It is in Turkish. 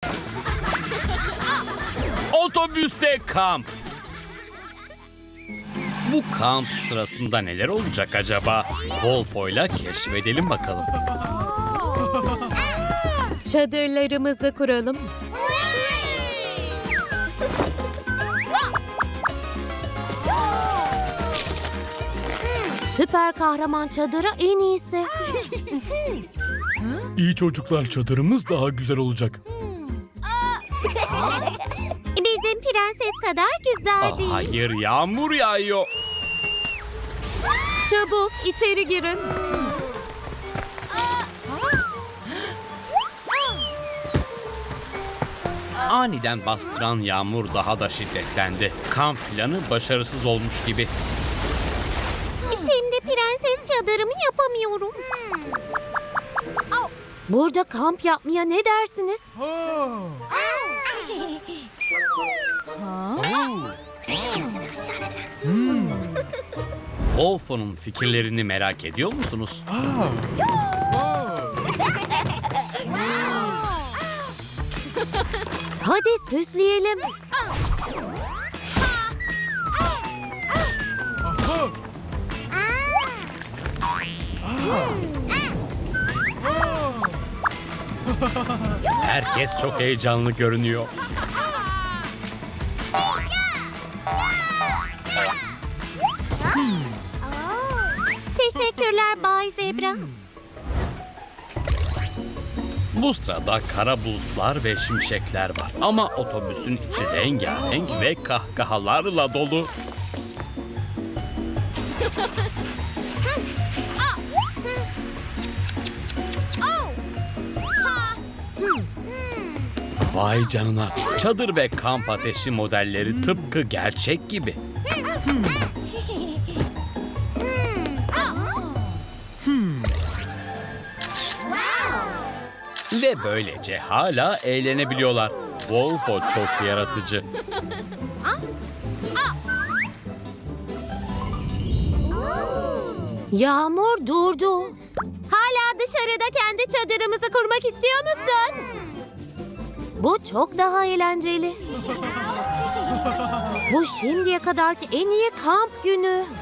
Otobüste kamp. Bu kamp sırasında neler olacak acaba? Wolfo'yla keşfedelim bakalım. Çadırlarımızı kuralım. Süper kahraman çadırı en iyisi. İyi çocuklar, çadırımız daha güzel olacak. Bizim prenses kadar güzel değil. Hayır, yağmur yağıyor. Çabuk içeri girin. Aniden bastıran yağmur daha da şiddetlendi. Kamp planı başarısız olmuş gibi. Şimdi prenses çadırımı yapamıyorum. Burada kamp yapmaya ne dersiniz? Wolfo'nun fikirlerini merak ediyor musunuz? Hadi süsleyelim. Herkes çok heyecanlı görünüyor. Teşekkürler Bay Zebra. Bu sırada kara bulutlar ve şimşekler var. Ama otobüsün içi rengarenk ve kahkahalarla dolu. Vay canına. Çadır ve kamp ateşi modelleri tıpkı gerçek gibi. Ve böylece hala eğlenebiliyorlar. Wolfo çok yaratıcı. Yağmur durdu. Hala dışarıda kendi çadırımızı kurmak istiyor musun? Bu çok daha eğlenceli. Bu şimdiye kadarki en iyi kamp günü.